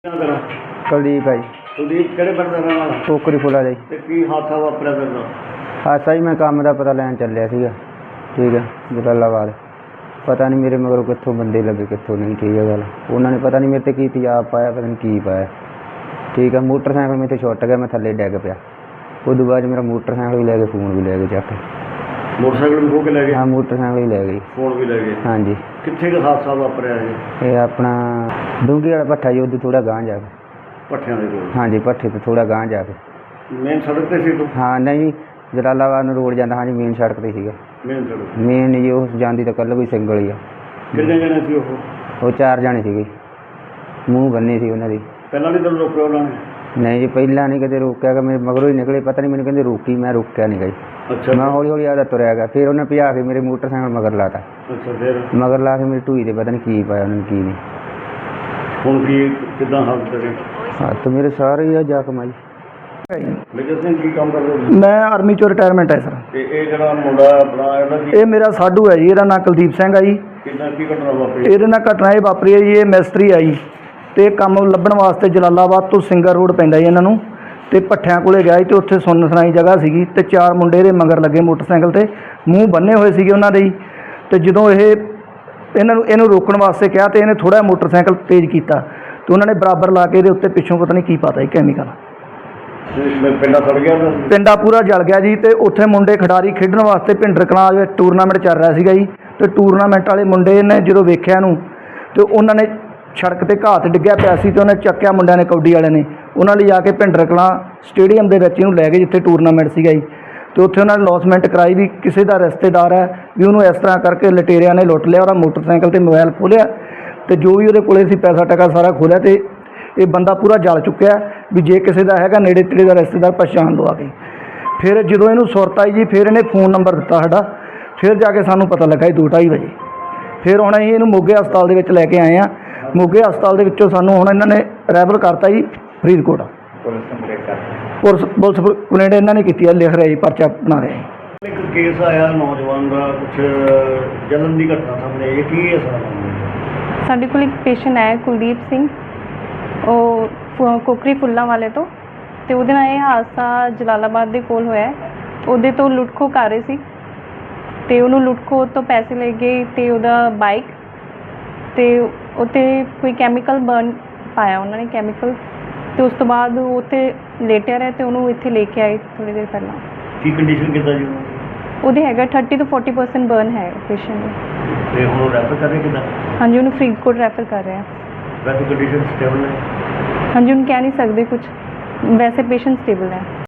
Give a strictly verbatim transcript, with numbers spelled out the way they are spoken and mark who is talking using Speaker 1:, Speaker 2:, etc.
Speaker 1: क्या करो
Speaker 2: ਕੁਲਦੀਪ ਹੈ ਜੀ।
Speaker 1: ਕੁਲਦੀਪ ਕਿਹੜੇ ਪਿੰਡ ਦਾ ਰਹਿਣ ਵਾਲਾ
Speaker 2: ਟੋਕਰੀ ਫੁੱਲਾ ਦਾ ਜੀ।
Speaker 1: ਤੇ ਕੀ ਹਾਦਸਾ ਵਾਪਰਿਆ ਤੇਰੇ ਨਾਲ?
Speaker 2: ਹਾਦਸਾ ਜੀ, ਮੈਂ ਕੰਮ ਦਾ ਪਤਾ ਲੈਣ ਚੱਲਿਆ ਸੀਗਾ, ਠੀਕ ਹੈ, ਜਲਾਲਾਬਾਦ। ਪਤਾ ਨਹੀਂ ਮੇਰੇ ਮਗਰੋਂ ਕਿੱਥੋਂ ਬੰਦੇ ਲੱਗੇ, ਕਿੱਥੋਂ ਨਹੀਂ, ਠੀਕ ਹੈ ਗੱਲ। ਉਹਨਾਂ ਨੇ ਪਤਾ ਨਹੀਂ ਮੇਰੇ 'ਤੇ ਕੀ ਤੇਜ਼ਾਬ ਪਾਇਆ, ਪਤਾ ਨਹੀਂ ਕੀ ਪਾਇਆ, ਠੀਕ ਹੈ। ਮੋਟਰਸਾਈਕਲ ਮੇਰੇ ਤੋਂ ਛੁੱਟ ਗਿਆ, ਮੈਂ ਥੱਲੇ ਡਿੱਗ ਪਿਆ। ਉਦੋਂ ਬਾਅਦ 'ਚ ਮੇਰਾ ਮੋਟਰਸਾਈਕਲ ਵੀ ਲੈ ਗਏ, ਫੋਨ ਵੀ ਲੈ ਗਏ ਚੱਕ ਕੇ।
Speaker 1: ਮੋਟਰਸਾਈਕਲ ਵੀ ਖੋਹ ਕੇ ਲੈ ਗਏ?
Speaker 2: ਹਾਂ, ਮੋਟਰਸਾਈਕਲ ਵੀ ਲੈ ਗਏ,
Speaker 1: ਫੋਨ ਵੀ ਲੈ ਗਏ।
Speaker 2: ਹਾਂਜੀ।
Speaker 1: ਕਿੱਥੇ ਕੁ ਹਾਦਸਾ ਵਾਪਰਿਆ ਜੀ?
Speaker 2: ਇਹ ਆਪਣਾ ਡੂੰਘੀ ਵਾਲਾ ਭੱਠਾ ਜੀ, ਉਹਦੇ ਥੋੜ੍ਹਾ ਗਾਂਹ ਜਾ ਕੇ।
Speaker 1: ਭੱਠਿਆਂ ਦੇ ਕੋਲ?
Speaker 2: ਹਾਂਜੀ, ਭੱਠੇ ਤੋਂ ਥੋੜ੍ਹਾ ਗਾਂਹ ਜਾ ਕੇ।
Speaker 1: ਮੇਨ ਸੜਕ 'ਤੇ ਸੀ ਤੂੰ?
Speaker 2: ਹਾਂ, ਨਹੀਂ, ਜਲਾਲਾਬਾਦ ਨੂੰ ਰੋਡ ਜਾਂਦਾ, ਹਾਂਜੀ, ਮੇਨ ਸੜਕ 'ਤੇ ਸੀਗਾ।
Speaker 1: ਮੇਨ ਸੜਕ?
Speaker 2: ਮੇਨ ਜੀ, ਉਹ ਜਾਂਦੀ ਤਾਂ ਕੱਲ ਕੋਈ ਸਿੰਗਲ ਹੀ ਆ।
Speaker 1: ਕਿੰਨੇ ਜਣੇ ਸੀ ਉਹ?
Speaker 2: ਉਹ ਚਾਰ ਜਾਣੇ ਸੀਗੇ, ਮੂੰਹ ਬੰਨੇ ਸੀ ਉਹਨਾਂ ਦੀ।
Speaker 1: ਪਹਿਲਾਂ ਨਹੀਂ ਤੈਨੂੰ ਰੋਕਿਆ ਉਹਨਾਂ ਨੇ?
Speaker 2: ਨਹੀਂ ਜੀ, ਪਹਿਲਾਂ ਨਹੀਂ ਕਦੇ ਰੋਕਿਆ ਗਾ, ਮੇਰੇ ਮਗਰੋਂ ਹੀ ਨਿਕਲੇ, ਪਤਾ ਨਹੀਂ ਮੈਨੂੰ ਕਹਿੰਦੇ ਰੋਕੀ, ਮੈਂ ਰੋਕਿਆ ਨਹੀਂ ਗਈ।
Speaker 1: ਅੱਛਾ।
Speaker 2: ਮੈਂ ਹੌਲੀ ਹੌਲੀ ਆਦਾ ਤੁਰਿਆ ਗਿਆ, ਫਿਰ ਉਹਨੇ ਭਜਾ ਕੇ ਮੇਰੇ ਮੋਟਰਸਾਈਕਲ ਮਗਰ ਲਾਤਾ।
Speaker 1: ਅੱਛਾ, ਫਿਰ? ਮਗਰ
Speaker 2: ਲਾ ਕੇ ਮੇਰੀ ਢੂਈ 'ਤੇ ਪਤਾ ਨਹੀਂ ਕੀ ਪਾਇਆ ਉਹਨਾਂ ਨੇ, ਕੀ ਨਹੀਂ।
Speaker 1: ਹੁਣ ਕੀ ਕਿੱਦਾਂ ਹਾਲਤ ਤੇਰੇ?
Speaker 2: ਹੱਥ ਮੇਰੇ ਸਾਰੇ ਹੀ ਆ ਜ਼ਖਮ ਆ ਜੀ।
Speaker 1: ਮੇਜਰ ਸਿੰਘ ਕੀ ਕੰਮ ਕਰਦੇ ਹੋ?
Speaker 3: ਮੈਂ ਆਰਮੀ ਚੋਂ ਰਿਟਾਇਰਮੈਂਟ ਹੈ ਸਰ।
Speaker 1: ਤੇ ਇਹ ਜਿਹੜਾ ਮੁੰਡਾ ਆਪਣਾ ਇਹਦਾ ਕੀ
Speaker 3: ਇਹ ਮੇਰਾ ਸਾਧੂ ਹੈ ਜੀ, ਇਹਦਾ ਨਾਂ ਕੁਲਦੀਪ ਸਿੰਘ ਹੈ ਜੀ।
Speaker 1: ਕਿੱਦਾਂ ਕੀ ਘਟਨਾ ਵਾਪਰੀ?
Speaker 3: ਇਹਦੇ ਨਾਲ ਘਟਨਾ ਇਹ ਵਾਪਰੀ ਹੈ ਜੀ, ਇਹ ਮਿਸਤਰੀ ਆ ਜੀ, ਅਤੇ ਕੰਮ ਲੱਭਣ ਵਾਸਤੇ ਜਲਾਲਾਬਾਦ ਤੋਂ ਸਿੰਗਰ ਰੋਡ ਪੈਂਦਾ ਜੀ ਇਹਨਾਂ ਨੂੰ, ਅਤੇ ਭੱਠਿਆਂ ਕੋਲੇ ਗਿਆ ਜੀ, ਅਤੇ ਉੱਥੇ ਸੁੰਨ ਸੁਣਾਈ ਜਗ੍ਹਾ ਸੀਗੀ, ਅਤੇ ਚਾਰ ਮੁੰਡੇ ਇਹਦੇ ਮਗਰ ਲੱਗੇ ਮੋਟਰਸਾਈਕਲ 'ਤੇ, ਮੂੰਹ ਬੰਨੇ ਹੋਏ ਸੀਗੇ ਉਹਨਾਂ ਦੇ ਜੀ। ਅਤੇ ਜਦੋਂ ਇਹ ਇਹਨਾਂ ਨੂੰ ਇਹਨੂੰ ਰੋਕਣ ਵਾਸਤੇ ਕਿਹਾ, ਅਤੇ ਇਹਨੇ ਥੋੜ੍ਹਾ ਮੋਟਰਸਾਈਕਲ ਤੇਜ਼ ਕੀਤਾ, ਅਤੇ ਉਹਨਾਂ ਨੇ ਬਰਾਬਰ ਲਾ ਕੇ ਇਹਦੇ ਉੱਤੇ ਪਿੱਛੋਂ ਪਤਾ ਨਹੀਂ ਕੀ ਪਤਾ ਜੀ, ਕੈਮੀਕਲ।
Speaker 1: ਪਿੰਡਾ ਸੜ ਗਿਆ?
Speaker 3: ਪਿੰਡਾ ਪੂਰਾ ਜਲ ਗਿਆ ਜੀ। ਅਤੇ ਉੱਥੇ ਮੁੰਡੇ ਖਿਡਾਰੀ ਖੇਡਣ ਵਾਸਤੇ ਭਿੰਡਰ ਕਲਾਂ ਵਿੱਚ ਟੂਰਨਾਮੈਂਟ ਚੱਲ ਰਿਹਾ ਸੀਗਾ ਜੀ, ਅਤੇ ਟੂਰਨਾਮੈਂਟ ਵਾਲੇ ਮੁੰਡੇ ਨੇ ਜਦੋਂ ਵੇਖਿਆ ਇਹਨੂੰ, ਅਤੇ ਉਹਨਾਂ ਨੇ ਸੜਕ 'ਤੇ ਘਾਹ 'ਤੇ ਡਿੱਗਿਆ ਪਿਆ ਸੀ, ਅਤੇ ਉਹਨੇ ਚੱਕਿਆ ਮੁੰਡਿਆਂ ਨੇ, ਕਬੱਡੀ ਵਾਲਿਆਂ ਨੇ, ਉਹਨਾਂ ਲਈ ਜਾ ਕੇ ਭਿੰਡਰ ਕਲਾਂ ਸਟੇਡੀਅਮ ਦੇ ਵਿੱਚ ਇਹਨੂੰ ਲੈ ਗਏ, ਜਿੱਥੇ ਟੂਰਨਾਮੈਂਟ ਸੀਗਾ ਜੀ। ਅਤੇ ਉੱਥੇ ਉਹਨਾਂ ਨੇ ਲੌਸਮੈਂਟ ਕਰਾਈ ਵੀ ਕਿਸੇ ਦਾ ਰਿਸ਼ਤੇਦਾਰ ਹੈ ਵੀ ਉਹਨੂੰ ਇਸ ਤਰ੍ਹਾਂ ਕਰਕੇ ਲਟੇਰਿਆਂ ਨੇ ਲੁੱਟ ਲਿਆ, ਉਹਦਾ ਮੋਟਰਸਾਈਕਲ 'ਤੇ ਮੋਬਾਈਲ ਖੋਲ੍ਹਿਆ, ਅਤੇ ਜੋ ਵੀ ਉਹਦੇ ਕੋਲੇ ਸੀ ਪੈਸਾ ਟਕਾ ਸਾਰਾ ਖੋਲ੍ਹਿਆ, ਅਤੇ ਇਹ ਬੰਦਾ ਪੂਰਾ ਜਲ ਚੁੱਕਿਆ ਵੀ ਜੇ ਕਿਸੇ ਦਾ ਹੈਗਾ ਨੇੜੇ ਤੇੜੇ ਦਾ ਰਿਸ਼ਤੇਦਾਰ ਪਛਾਣ ਲਓ ਆ ਕੇ। ਫਿਰ ਜਦੋਂ ਇਹਨੂੰ ਸੁਰਤ ਆਈ ਜੀ, ਫਿਰ ਇਹਨੇ ਫੋਨ ਨੰਬਰ ਦਿੱਤਾ ਸਾਡਾ, ਫਿਰ ਜਾ ਕੇ ਸਾਨੂੰ ਪਤਾ ਲੱਗਾ ਜੀ ਦੋ ਢਾਈ ਵਜੇ। ਫਿਰ ਹੁਣ ਅਸੀਂ ਇਹਨੂੰ ਮੋਗੇ ਹਸਪਤਾਲ ਦੇ ਵਿੱਚ ਲੈ ਕੇ ਆਏ ਹਾਂ। ਮੋਗੇ ਹਸਪਤਾਲ ਦੇ ਵਿੱਚੋਂ ਸਾਨੂੰ ਹੁਣ ਇਹਨਾਂ ਨੇ ਰੈਫਰ ਕਰਤਾ ਜੀ ਫਰੀਦਕੋਟ। ਪੁਲਿਸ ਪੁਲਿਸ ਕੰਪਲੇਂਟ ਇਹਨਾਂ ਨੇ ਕੀਤੀ ਹੈ, ਲਿਖ ਰਿਹਾ ਜੀ, ਪਰਚਾ ਬਣਾ ਰਿਹਾ ਜੀ।
Speaker 1: ਇੱਕ ਕੇਸ ਆਇਆ ਨੌਜਵਾਨ ਦਾ, ਕੁਛ ਜਲਨ ਦੀ ਘਟਨਾ ਸਾਹਮਣੇ, ਇਹ ਕੀ ਹੈ ਸਾਰਾ?
Speaker 4: ਸਾਡੇ ਕੋਲ ਇੱਕ ਪੇਸ਼ੈਂਟ ਆਇਆ ਕੁਲਦੀਪ ਸਿੰਘ, ਉਹ ਫੁ- ਕੋਕਰੀ ਫੁੱਲਾਂ ਵਾਲੇ ਤੋਂ, ਅਤੇ ਉਹਦੇ ਨਾਲ ਇਹ ਹਾਦਸਾ ਜਲਾਲਾਬਾਦ ਦੇ ਕੋਲ ਹੋਇਆ। ਉਹਦੇ ਤੋਂ ਲੁੱਟ ਖੋਹ ਕਰ ਰਹੇ ਸੀ, ਅਤੇ ਉਹਨੂੰ ਲੁੱਟ ਖੋਹ ਤੋਂ ਪੈਸੇ ਲੈ ਗਏ, ਅਤੇ ਉਹਦਾ ਬਾਈਕ, ਅਤੇ ਉੱਥੇ ਕੋਈ ਕੈਮੀਕਲ ਬਰਨ ਪਾਇਆ ਉਹਨਾਂ ਨੇ, ਕੈਮੀਕਲ, ਅਤੇ ਉਸ ਤੋਂ ਬਾਅਦ ਉਹ ਉੱਥੇ ਲੇਟਿਆ ਰਿਹਾ, ਅਤੇ ਉਹਨੂੰ ਇੱਥੇ ਲੈ ਕੇ ਆਏ ਥੋੜ੍ਹੀ ਦੇਰ ਪਹਿਲਾਂ।
Speaker 1: ਕੀ ਕੰਡੀਸ਼ਨ ਕਿੱਦਾਂ ਜੀ?
Speaker 4: ਉਹਦੇ ਹੈਗਾ ਥਰਟੀ ਤੋਂ ਫੋਰਟੀ ਪਰਸੈਂਟ ਬਰਨ ਹੈ ਪੇਸ਼ੈਂਟ ਨੂੰ।
Speaker 1: ਤੇ ਹੁਣ ਰੈਫਰ ਕਰ ਰਹੇ ਕਿੱਦਾਂ?
Speaker 4: ਹਾਂਜੀ, ਉਹਨੂੰ ਫਰੀਦਕੋਟ ਰੈਫਰ ਕਰ ਰਹੇ ਆ।
Speaker 1: ਵੈਸੇ ਕੰਡੀਸ਼ਨ ਸਟੇਬਲ ਹੈ?
Speaker 4: ਹਾਂਜੀ, ਉਹਨੂੰ ਕਹਿ ਨਹੀਂ ਸਕਦੇ ਕੁਛ, ਵੈਸੇ ਪੇਸ਼ੈਂਟ ਸਟੇਬਲ ਹੈ।